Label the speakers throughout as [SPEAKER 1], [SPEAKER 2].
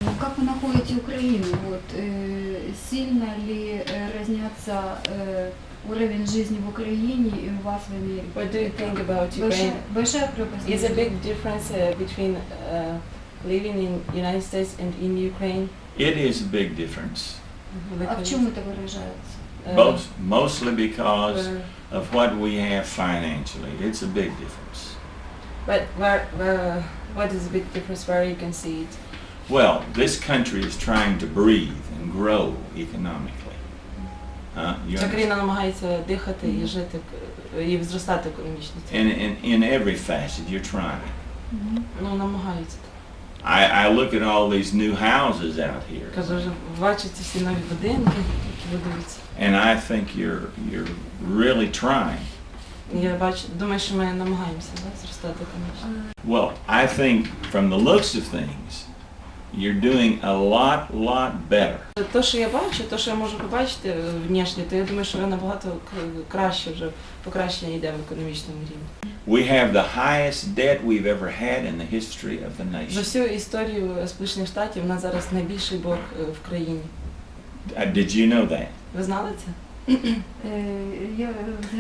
[SPEAKER 1] Как вы находите Украину? Вот, сильно ли разнятся уровень жизни в Украине и у вас в Америке?
[SPEAKER 2] What do you think about Ukraine?
[SPEAKER 1] Большая пропасть.
[SPEAKER 2] Is a big difference between living in United States and in Ukraine?
[SPEAKER 3] It is a big difference.
[SPEAKER 1] А в чем это выражается?
[SPEAKER 3] Mostly because of what we have financially. It's a big difference.
[SPEAKER 2] But what is the big difference where you can see it?
[SPEAKER 3] Well, this country is trying to breathe and grow economically. You
[SPEAKER 2] Ця
[SPEAKER 3] understand?
[SPEAKER 2] країна намагається дихати і жити, і зростати економічно.
[SPEAKER 3] In every facet, you're trying.
[SPEAKER 2] Ну, намагаються.
[SPEAKER 3] I look at all these new houses out here,
[SPEAKER 2] Кажу, вже бачите всі нові будинки, які будуються.
[SPEAKER 3] and I think you're really trying.
[SPEAKER 2] Я бачу, думаю, що ми намагаємося зростати економічно.
[SPEAKER 3] Well, I think from the looks of things, you're doing a lot better.
[SPEAKER 2] То, що я бачу, то, що я можу побачити внешне, то я думаю, що набагато краще вже покращення йде в економічному рівні.
[SPEAKER 3] We have the highest debt we've ever had in the history of the
[SPEAKER 2] За
[SPEAKER 3] nation.
[SPEAKER 2] всю історію Сполучених Штатів у нас зараз найбільший борг в країні.
[SPEAKER 3] Did you know that?
[SPEAKER 2] Ви знали це?
[SPEAKER 1] Я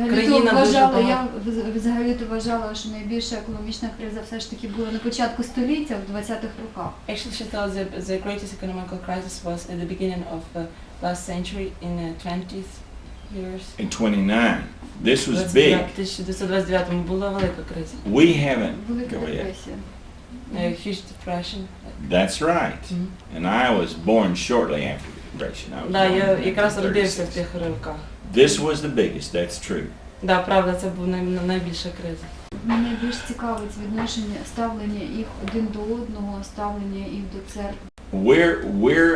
[SPEAKER 1] взагалі-то вважала, що найбільша економічна криза все ж таки була на початку століття, в 20-х роках.
[SPEAKER 2] Actually, she thought the greatest economical crisis was at the beginning of the last century in the 20th years.
[SPEAKER 3] In 29. This was big.
[SPEAKER 2] В 1929-му була велика криза.
[SPEAKER 3] We haven't.
[SPEAKER 1] Велика
[SPEAKER 3] Go ahead.
[SPEAKER 1] депресія.
[SPEAKER 2] Huge depression.
[SPEAKER 3] That's right. And I was born shortly after the depression. I was
[SPEAKER 2] Да,
[SPEAKER 3] born
[SPEAKER 2] я
[SPEAKER 3] in
[SPEAKER 2] якраз родився в
[SPEAKER 3] 36.
[SPEAKER 2] тих роках.
[SPEAKER 3] This was the biggest. That's true.
[SPEAKER 2] Да, правда, це була найбільша криза.
[SPEAKER 1] Мене більш цікавить відношення, ставлення їх один до одного, ставлення їх до церкви.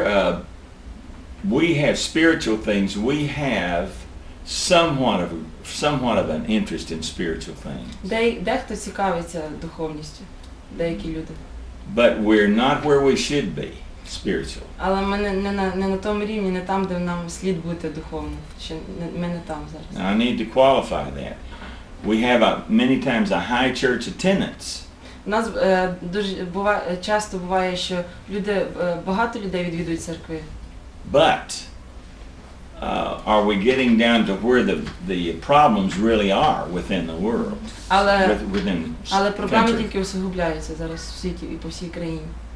[SPEAKER 3] We have spiritual things. We have somewhat of an interest in spiritual things.
[SPEAKER 2] Дехто цікавиться духовністю, деякі люди.
[SPEAKER 3] But we're not where we should be spiritual.
[SPEAKER 2] Але ми не на тому рівні, не там, де нам слід бути духовно. Ще ми не там зараз.
[SPEAKER 3] Now, I need to qualify that. We have many times a high church attendance.
[SPEAKER 2] У нас дуже часто буває, що багато людей відвідують церкви.
[SPEAKER 3] But are we getting down to where the problems really are within the world?
[SPEAKER 2] Але
[SPEAKER 3] Within
[SPEAKER 2] проблеми
[SPEAKER 3] country?
[SPEAKER 2] тільки усугубляються зараз в світі і по всій країні.